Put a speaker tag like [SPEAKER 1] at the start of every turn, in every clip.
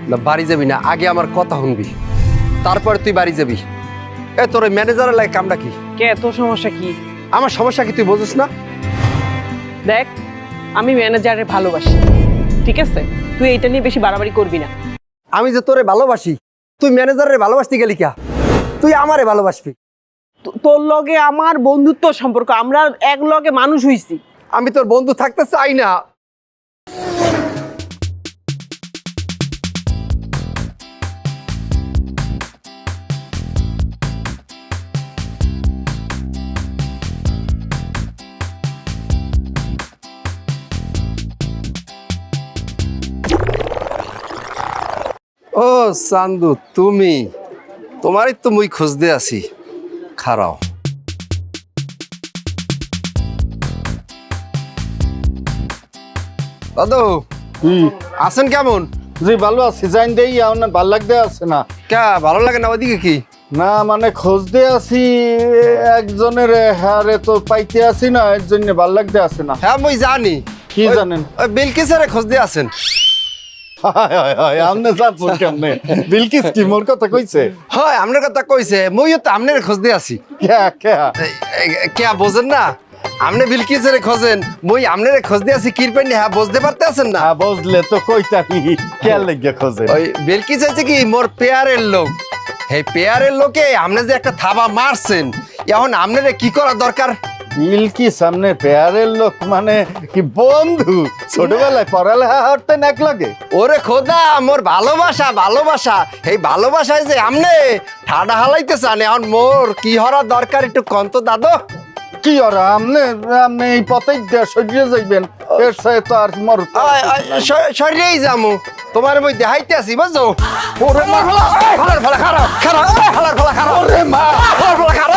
[SPEAKER 1] না বাড়ি যাবি না, আগে আমার কথা শুনবি, তারপরে তুই বাড়ি যাবি। এ তোর ওই ম্যানেজারের লাগে কামটা কি?
[SPEAKER 2] কে তোর সমস্যা কি?
[SPEAKER 1] আমার সমস্যা কি তুই বুঝিস না?
[SPEAKER 2] দেখ, আমি ম্যানেজারে ভালোবাসি, ঠিক আছে? তুই এইটা নিয়ে বেশি বাড়াবাড়ি করবি না।
[SPEAKER 1] আমি যে তোরে ভালোবাসি, তুই ম্যানেজারের ভালোবাসতে গেলি কা? তুই আমারে ভালোবাসবি।
[SPEAKER 2] তোর লগে আমার বন্ধুত্ব সম্পর্ক, আমরা এক লগে মানুষ হইছি।
[SPEAKER 1] আমি তোর বন্ধু থাকতে চাই না। ও চান্দু, তুমি? তোমারই তো মুই খুঁজতে আছি, খারাও। দাদু আছেন কেমন?
[SPEAKER 3] জি ভালো আছি, জাইন দেই আপনার ভাল লাগতে আছে না?
[SPEAKER 1] কে ভালো লাগে না? ওইদিকে কি
[SPEAKER 3] না মানে খুঁজতে আছি একজনের, হারে তো পাইতে আছি না, এর জন্য ভাল লাগতে আছে না।
[SPEAKER 1] হ্যাঁ মুই জানি।
[SPEAKER 3] কি জানেন?
[SPEAKER 1] ওই বিলকিসের খুঁজতে আছেন।
[SPEAKER 3] আমনে জানছেন কেমনে? বিলকিস কি মোর কথা কইছে?
[SPEAKER 1] হয় আপনার কথা কইছে, মুইও তো আপনার খুঁজতে আছি। কে বোঝেন না? আপনি বিলকিসের খোঁজেন, মুই আপনার খুঁজতে আছি। কিরপেন হ্যাঁ বুঝতে পারতে আছেন না?
[SPEAKER 3] বুঝলে তো কইতানি কে লাগিয়া খোঁজে।
[SPEAKER 1] ওই বিলকিস হচ্ছে কি মোর পেয়ারের লোক। এই পেয়ারের লোকে আপনি যে একটা থাবা মারছেন, এখন আপনার কি করা দরকার?
[SPEAKER 3] বিলকিস সামনে পেয়ারের লোক মানে কি বন্ধু? ছোটবেলায় পড়ালেখা হতেন এক লগে?
[SPEAKER 1] ওরে খোদা, মোর ভালোবাসা ভালোবাসা, এই ভালোবাসায় যে আমনে ঠাডা হালাইতে চান, এখন মোর কি হওয়ার দরকার একটু কন্ত দাদু।
[SPEAKER 3] কি ওরা আমনে আমনে এই পথে সরিয়ে যাইবেন, এর সাথে তো আর মর
[SPEAKER 1] সরিয়েই যামু, তোমার মই দেখাইতে আছি বুঝছো? ওরে মা, হালার ফলা খারাপ খারাপ, হালার ফলা খারাপ, ওরে মা হালার ফলা খারাপ।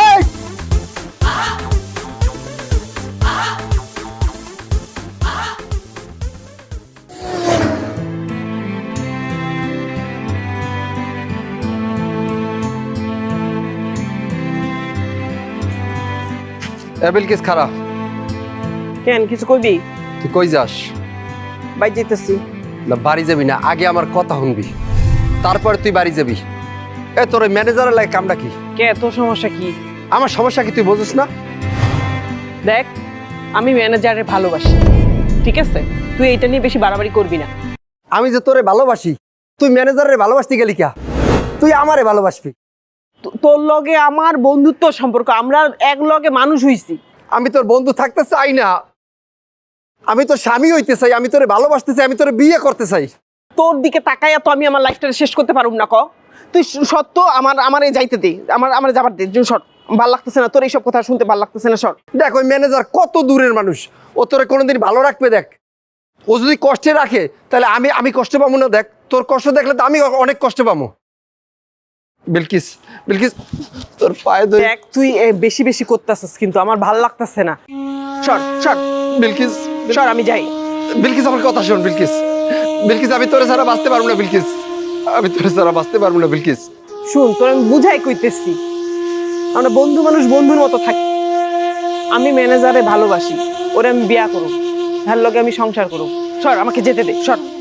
[SPEAKER 1] বিলকিস খারাপ।
[SPEAKER 2] কেন, কিছু কইবি?
[SPEAKER 1] তুই কই যাস?
[SPEAKER 2] বাই যেতেছি।
[SPEAKER 1] না বাড়ি যাবি না, আগে আমার কথা শুনবি, তারপরে তুই বাড়ি যাবি। এ তোর ওই ম্যানেজারের লাগে কামটা কি?
[SPEAKER 2] কে তোর সমস্যা কি?
[SPEAKER 1] আমার সমস্যা কি তুই বুঝিস না?
[SPEAKER 2] দেখ, আমি ম্যানেজারে ভালোবাসি, ঠিক আছে? তুই এইটা নিয়ে বেশি বাড়াবাড়ি করবি না।
[SPEAKER 1] আমি যে তোরে ভালোবাসি, তুই ম্যানেজারের ভালোবাসতে গেলি কা? তুই আমারে ভালোবাসবি।
[SPEAKER 2] তোর লগে আমার বন্ধুত্ব সম্পর্ক, আমরা এক লগে মানুষ হইছি।
[SPEAKER 1] আমি তোর বন্ধু থাকতে চাই না, আমি তোর স্বামী হইতে চাই, আমি তোরে ভালোবাসতে চাই, আমি তোরে বিয়ে করতে চাই।
[SPEAKER 2] তোর দিকে তাকাইয়া তো আমি আমার লাইফটা শেষ করতে পারুম না। তুই সত্য আমার যাইতে দে, আমার যাবার দে। শর্ট ভাল লাগতেছে না, তোর এইসব কথা শুনতে ভাল লাগতেছে না। শর্ট
[SPEAKER 1] দেখ, ওই ম্যানেজার কত দূরের মানুষ, ও তোরে কোনোদিন ভালো রাখবে? দেখ, ও যদি কষ্টে রাখে তাহলে আমি কষ্ট পাবো না? দেখ, তোর কষ্ট দেখলে তো আমি অনেক কষ্ট পাবো। বিলকিস, বিলকিস তোর পায়ে ধরে।
[SPEAKER 2] দেখ, তুই বেশি বেশি করতেছিস, কিন্তু আমার ভাল লাগতেছে না। শর্ট শর্ট
[SPEAKER 1] বিলকিস,
[SPEAKER 2] শর্ট, আমি যাই।
[SPEAKER 1] বিলকিস আমার কথা শোন। বিলকিস, বিলকিস আমি তোরে ছাড়া বাঁচতে পারবো না। বিলকিস, আমি তোরে ছাড়া বাঁচতে পারবো না। বিলকিস
[SPEAKER 2] শুন, তোর আমি বুঝাই কইতেছি, আমরা বন্ধু মানুষ বন্ধুর মতো থাকি। আমি ম্যানেজারে ভালোবাসি, ওরে আমি বিয়া করব, তার লগে আমি সংসার করব। সর, আমাকে যেতে দে। সর।